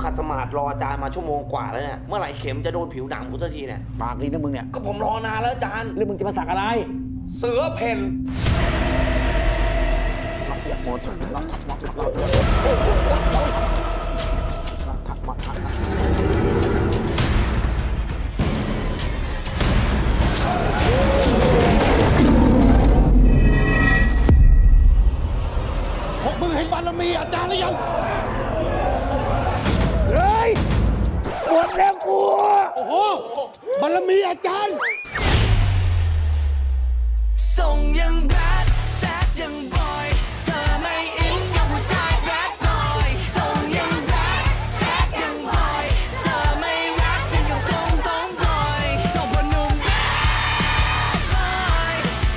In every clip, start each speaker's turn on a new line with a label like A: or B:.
A: ขัดสมาธิรออาจารย์มาชั่วโมงกว่าแล้วเนี่ยเมื่อไหร่เข็มจะโดนผิวหนังกูสักทีเนี่ย
B: ปากดีนะมึงเนี่ย
A: ก็ผมรอนานแล้วอาจารย์
B: แล้วมึงจะมาสักอะไร
A: เสือเพ่น
C: พวกมึงเห็นบารมีอาจารย์หรือยังเฮ้ยปวดแล้วกูโอ้โหบารมีอาจารย์
D: ส่งยังแบดแซดยังบอยเธอไม่อินกับผู้ชายแบดบอยส่งยังแบดแซดยังบอยเธอไม่รักฉันกับกงต้องปล่อยส่งพอหนุ่มแบดบอย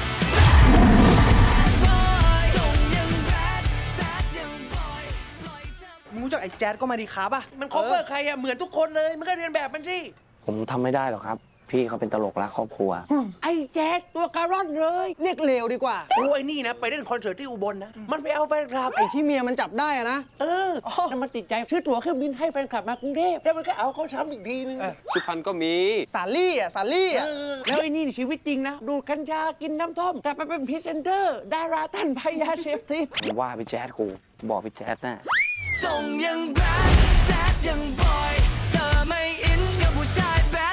D: ส่งยังแบดแซดยังบอยปล่อยเธอ
E: มึงรู้จักไอ้แจ๊ดก็มาดีครับป่ะ
A: มันคอเวอร์ใครอะเหมือนทุกคนเลยมันก็เรียนแบบมันสิ
F: ผมทำไม่ได้หรอกครับ พี่เขาเป็นตลกรักครอบครัว
A: ไอ้แจ๊ดตัวการ่อนเลย
E: เรียกเลวดีกว่า
A: โอ้ไอ้นี่นะไปเล่นคอนเสิร์ตที่อุบลนะมันไปเอาแฟนคลับ
E: ไอ้ที่เมียมันจับได้อะนะ
A: แล้วมันติดใจซื้อตั๋วเครื่องบินให้แฟนคลับมากรุงเทพแล้วมันก็เอาเขาซ้ำอีกทีนึง
G: สุพรรณก็มี
E: สาลี่อ่ะ สาลี่อ่ะ
A: แล้วไอ้นี่ชีวิตจริงนะ ดูดกัญชากินน้ำท่อม แต่ไปเป็นพรีเซนเตอร์ ดาราท่านพยาเสพติด
F: ผมว่าพี่แจ๊ดกูบอกพี่แจ๊ดน่ะ
D: ส่งยังแบดแซดยังบอยเธอไม่อินกับผู้ชายแบ